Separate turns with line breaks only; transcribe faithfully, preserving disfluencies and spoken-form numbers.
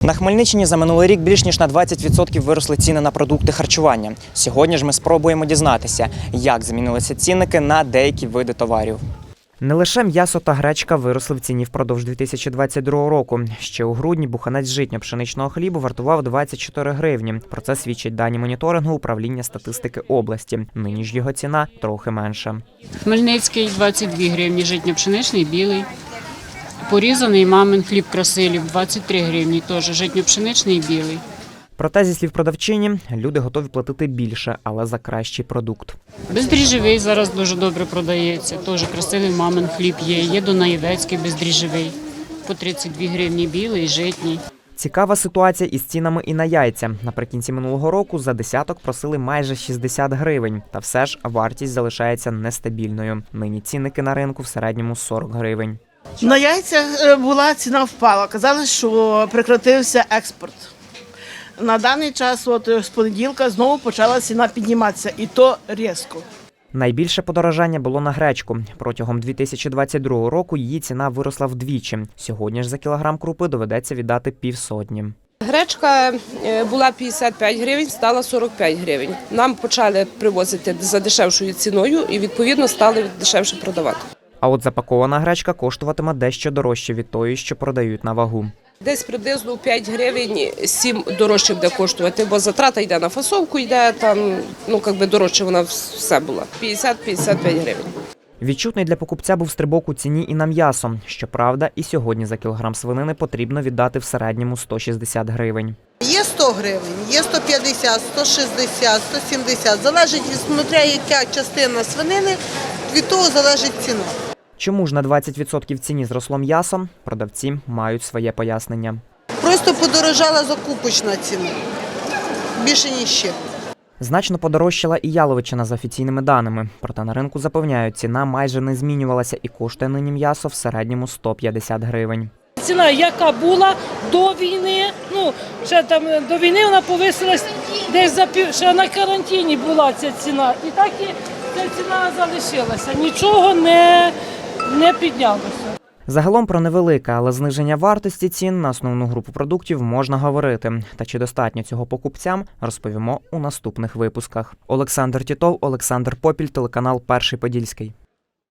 На Хмельниччині за минулий рік більш ніж на двадцять відсотків виросли ціни на продукти харчування. Сьогодні ж ми спробуємо дізнатися, як змінилися цінники на деякі види товарів. Не лише м'ясо та гречка виросли в ціні впродовж дві тисячі двадцять другого року. Ще у грудні буханець житньо-пшеничного хлібу вартував двадцять чотири гривні. Про це свідчать дані моніторингу управління статистики області. Нині ж його ціна трохи менша.
Хмельницький – двадцять дві гривні, житньо-пшеничний білий. Порізаний мамин хліб Красилів – двадцять три гривні, теж житньо-пшеничний білий.
Проте, зі слів продавчині, люди готові платити більше, але за кращий продукт.
Бездріжджовий зараз дуже добре продається, теж Красилів мамин хліб є. Є Дунаєвецький бездріжджовий, по тридцять дві гривні білий, житній.
Цікава ситуація із цінами і на яйця. Наприкінці минулого року за десяток просили майже шістдесят гривень. Та все ж вартість залишається нестабільною. Нині цінники на ринку в середньому сорок гривень.
На яйцях була ціна впала. Казали, що прекратився експорт. На даний час, от з понеділка, знову почала ціна підніматися, і то різко.
Найбільше подорожання було на гречку. Протягом дві тисячі двадцять другого року її ціна виросла вдвічі. Сьогодні ж за кілограм крупи доведеться віддати півсотні.
Гречка була п'ятдесят п'ять гривень, стала сорок п'ять гривень. Нам почали привозити за дешевшою ціною і, відповідно, стали дешевше продавати.
А от запакована гречка коштуватиме дещо дорожче від тої, що продають на вагу.
Десь приблизно п'ять гривень, сім дорожче буде коштувати, бо затрата йде на фасовку, йде там, ну, якби дорожче вона все була. п'ятдесят - п'ятдесят п'ять гривень.
Відчутний для покупця був стрибок у ціні і на м'ясо. Щоправда, і сьогодні за кілограм свинини потрібно віддати в середньому сто шістдесят гривень.
Є сто гривень, є сто п'ятдесят, сто шістдесят, сто сімдесят. Залежить від смотря, яка частина свинини, від того залежить ціна.
Чому ж на двадцять відсотків в ціні зросло м'ясо? Продавці мають своє пояснення.
Просто подорожала закупочна ціна. Більше ніж ще.
Значно подорожчала і яловичина за офіційними даними. Проте на ринку запевняють, ціна майже не змінювалася і коштує нині м'ясо в середньому сто п'ятдесят гривень.
Ціна, яка була до війни, ну, ще там до війни вона повисилась десь за пів, ще на карантині була ця ціна. І так і ця ціна залишилася, нічого не, не піднялося.
Загалом про невелике, але зниження вартості цін на основну групу продуктів можна говорити. Та чи достатньо цього покупцям, розповімо у наступних випусках. Олександр Тітов, Олександр Попіль, телеканал Перший Подільський.